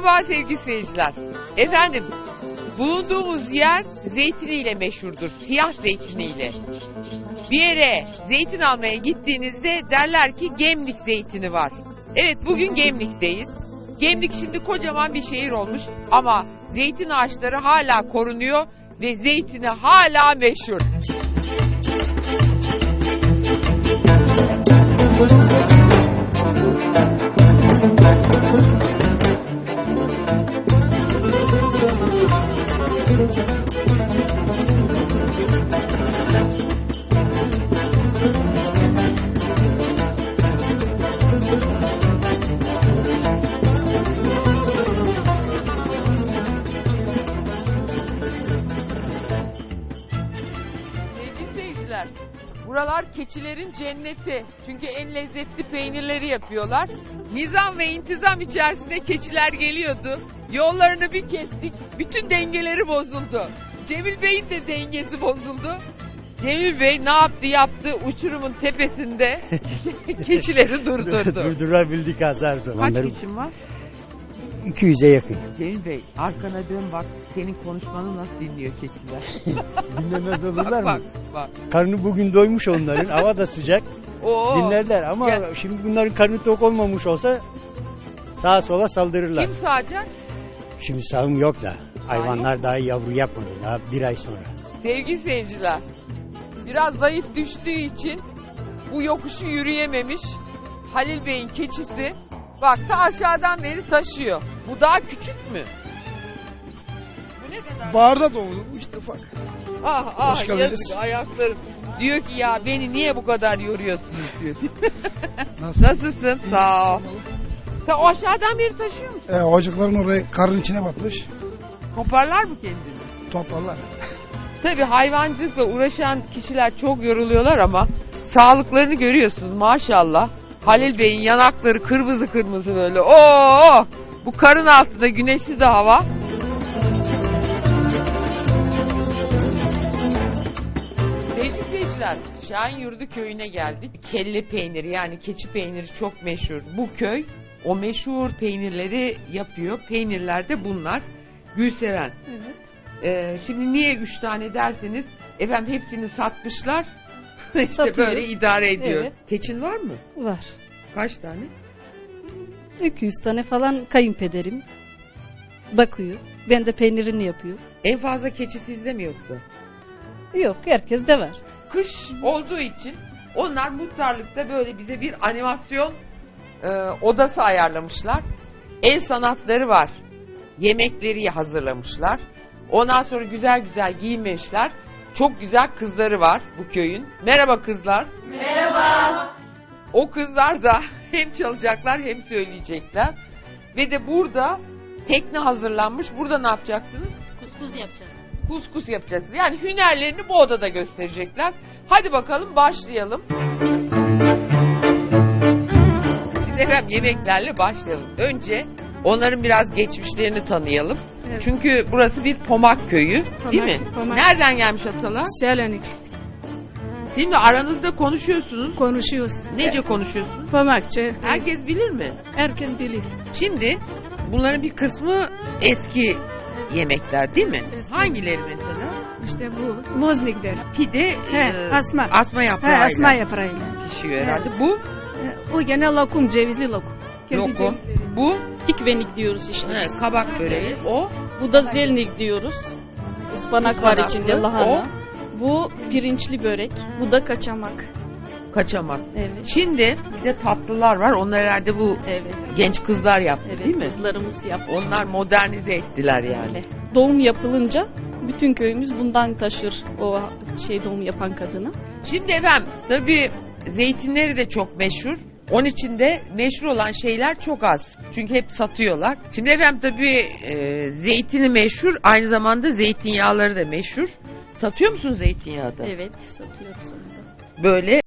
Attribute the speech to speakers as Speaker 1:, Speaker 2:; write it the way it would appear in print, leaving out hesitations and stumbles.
Speaker 1: Merhaba sevgili seyirciler. Efendim, bulunduğumuz yer zeytiniyle meşhurdur. Siyah zeytiniyle. Bir yere zeytin almaya gittiğinizde derler ki Gemlik zeytini var. Evet, bugün Gemlik'teyiz. Gemlik şimdi kocaman bir şehir olmuş ama zeytin ağaçları hala korunuyor ve zeytini hala meşhur. Buralar keçilerin cenneti. Çünkü en lezzetli peynirleri yapıyorlar. Nizam ve intizam içerisinde keçiler geliyordu. Yollarını bir kestik. Bütün dengeleri bozuldu. Cemil Bey'in de dengesi bozuldu. Cemil Bey ne yaptı? Uçurumun tepesinde keçileri durdurdu.
Speaker 2: Durdurabildik azar zamanları.
Speaker 1: Kaç keçin var?
Speaker 2: 200'e yakın.
Speaker 1: Cemil Bey arkana dön bak. Senin konuşmanı nasıl dinliyor keçiler?
Speaker 2: Dinlemez olurlar
Speaker 1: bak,
Speaker 2: mı?
Speaker 1: bak.
Speaker 2: Karnı bugün doymuş onların. Hava da sıcak.
Speaker 1: Oo.
Speaker 2: Dinlerler ama şimdi bunların karnı tok olmamış olsa sağa sola saldırırlar.
Speaker 1: Kim sağacak?
Speaker 2: Şimdi sağım yok da. Hayvanlar daha yavru yapmadı. Daha bir ay sonra.
Speaker 1: Sevgili seyirciler, biraz zayıf düştüğü için bu yokuşu yürüyememiş Halil Bey'in keçisi bak ta aşağıdan beri taşıyor. Bu daha küçük mü? Bu ne kadar?
Speaker 3: Bağırda doğdu bu işte ufak. Hoş geldiniz.
Speaker 1: Yazık ayaklarım. Diyor ki ya beni niye bu kadar yoruyorsunuz diyor. Nasılsın? Sağ ol. Sen o aşağıdan beri taşıyor musun?
Speaker 3: Ocakların oraya karın içine batmış.
Speaker 1: Toparlar mı kendini?
Speaker 3: Toparlar.
Speaker 1: Tabii hayvancılıkla uğraşan kişiler çok yoruluyorlar ama sağlıklarını görüyorsunuz maşallah. Halil Bey'in yanakları kırmızı kırmızı böyle. Oo! Bu karın altında güneşli de hava. Sevgili seyirciler, Şahinyurdu köyüne geldik. Kelle peyniri yani keçi peyniri çok meşhur. Bu köy o meşhur peynirleri yapıyor. Peynirler de bunlar. Gülseven.
Speaker 4: Evet.
Speaker 1: Şimdi niye 3 tane derseniz efendim hepsini satmışlar. İşte
Speaker 4: Satıyoruz.
Speaker 1: böyle idare ediyor.
Speaker 4: Evet.
Speaker 1: Keçin var mı?
Speaker 4: Var.
Speaker 1: Kaç tane?
Speaker 4: 200 tane falan kayınpederim bakıyor. Ben de peynirini yapıyor.
Speaker 1: En fazla keçi sizde mi yoksa?
Speaker 4: Yok, herkes de var.
Speaker 1: Kış olduğu için onlar muhtarlıkta böyle bize bir animasyon odası ayarlamışlar. El sanatları var. Yemekleri hazırlamışlar. Ondan sonra güzel güzel giyinmişler. Çok güzel kızları var bu köyün. Merhaba kızlar. Merhaba. O kızlar da hem çalacaklar hem söyleyecekler. Ve de burada tekne hazırlanmış. Burada ne yapacaksınız?
Speaker 5: Kuskus yapacağız.
Speaker 1: Kuskus yapacağız. Yani hünerlerini bu odada gösterecekler. Hadi bakalım başlayalım. Şimdi efendim yemeklerle başlayalım. Önce onların biraz geçmişlerini tanıyalım.
Speaker 6: Evet.
Speaker 1: Çünkü burası bir Pomak köyü, değil mi?
Speaker 6: Pomak.
Speaker 1: Nereden gelmiş atalar?
Speaker 6: Selanik
Speaker 1: Şimdi aranızda konuşuyorsunuz.
Speaker 6: konuşuyoruz.
Speaker 1: Nece konuşuyorsunuz?
Speaker 6: Pomakçı.
Speaker 1: Herkes bilir mi?
Speaker 6: Herkes bilir.
Speaker 1: Şimdi bunların bir kısmı eski yemekler değil mi?
Speaker 6: Eski.
Speaker 1: Hangileri mesela?
Speaker 6: İşte bu. Moznikler.
Speaker 1: Pide
Speaker 6: Asma.
Speaker 1: asma yaprağıyla
Speaker 6: Asma yaprağıyla.
Speaker 1: pişiyor herhalde. Bu
Speaker 6: O gene lokum, cevizli lokum. Kendi
Speaker 1: lokum.
Speaker 6: cevizleri.
Speaker 1: Bu
Speaker 5: Tikvenik diyoruz işte biz.
Speaker 1: kabak böreği. O
Speaker 5: Bu da zelnik diyoruz. Ispanak var
Speaker 1: Ispanaklı.
Speaker 5: içinde, lahana. Bu pirinçli börek. Bu da kaçamak.
Speaker 1: kaçamak.
Speaker 5: Evet.
Speaker 1: Şimdi bir de tatlılar var. Onlar herhalde bu
Speaker 5: Evet.
Speaker 1: genç kızlar yaptı
Speaker 5: Evet.
Speaker 1: değil mi?
Speaker 5: Kızlarımız yapmış.
Speaker 1: Onlar modernize ettiler yani.
Speaker 5: Öyle. Doğum yapılınca bütün köyümüz bundan taşır o doğum yapan kadını.
Speaker 1: Şimdi efendim tabii zeytinleri de çok meşhur. Onun için de meşhur olan şeyler çok az. Çünkü hep satıyorlar. Şimdi efendim tabii zeytini meşhur. Aynı zamanda zeytinyağları da meşhur. Satıyor musun zeytinyağı da?
Speaker 5: Evet, satıyoruz onu da.
Speaker 1: Böyle